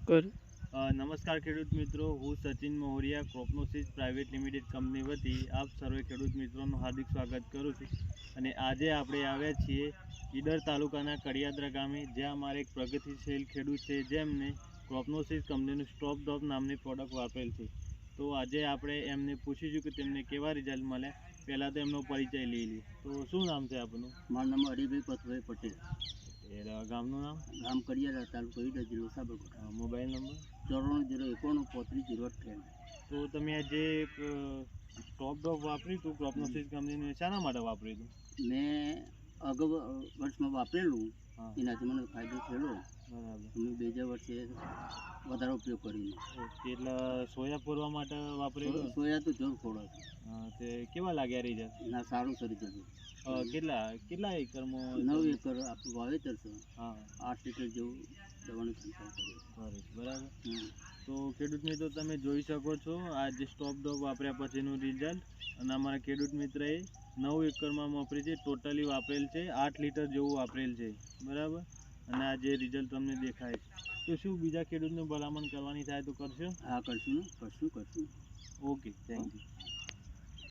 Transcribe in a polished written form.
કર નમસ્કાર ખેડૂત મિત્રો, હું Sachin Mohariya Cropnosis private limited company વતી આપ સર્વે ખેડૂત મિત્રોનું હાર્દિક સ્વાગત કરું છું. અને આજે આપણે આવ્યા છીએ ઈડર તાલુકાના કડિયાદરા ગામે, જ્યાં અમારે એક પ્રગતિશીલ ખેડૂત છે જેમને ક્રોપનોસિસ કંપનીનું સ્ટોપ ડ્રોપ નામની પ્રોડક્ટ વાપરેલ છે. તો આજે આપણે એમને પૂછીશું કે તેમને કેવા રિઝલ્ટ મળ્યા. પહેલાં તો એમનો પરિચય લઈ લઈએ. તો શું નામ છે આપનું? મારું નામ હરિભાઈ પથભાઈ પટેલ, ગામનું નામ? ગામ કડિયાદરા, તાલુકો ઈડર, જિલ્લો સાબરકાંઠા. Mobile number? 94 091 35 058. તો તમે આ જે સ્ટોપ ડ્રોપ વાપર્યું હતું ક્રોપનોસિસ કંપનીનું, શાના માટે વાપર્યું હતું? મેં અગાઉ વર્ષમાં વાપરેલું, હા, એનાથી મને ફાયદો થયેલો. બરાબર. મેં બીજા વર્ષે વધારે ઉપયોગ કરીને. ઓકે, એટલે સોયા પૂરવા માટે વાપરેલું? સોયા તો જરૂર ખોડો હા, તે કેવા લાગ્યા રિઝલ્ટ? ના, સારું સરી જતું. કેટલા એકરમાં? 9 એકર આપણું વાવેતર છે. હા, 8 લીટર જેવું દવાનું છંટકાવ કર્યો. બરાબર. હમ. તો ખેડૂત મિત્રો, તમે જોઈ શકો છો આ જે સ્ટોપ ડ્રોપ વાપર્યા પછીનું રિઝલ્ટ. અને અમારા ખેડૂત મિત્રએ 9 એકરમાં વાપરી છે, ટોટલી વાપરેલ છે 8 લીટર જેવું વાપરેલ છે, બરાબર. અને આ જે રિઝલ્ટ તમને દેખાય છે, તો શું બીજા ખેડૂતને ભલામણ કરવાની થાય તો કરશો? હા, કરશું. Okay, thank you.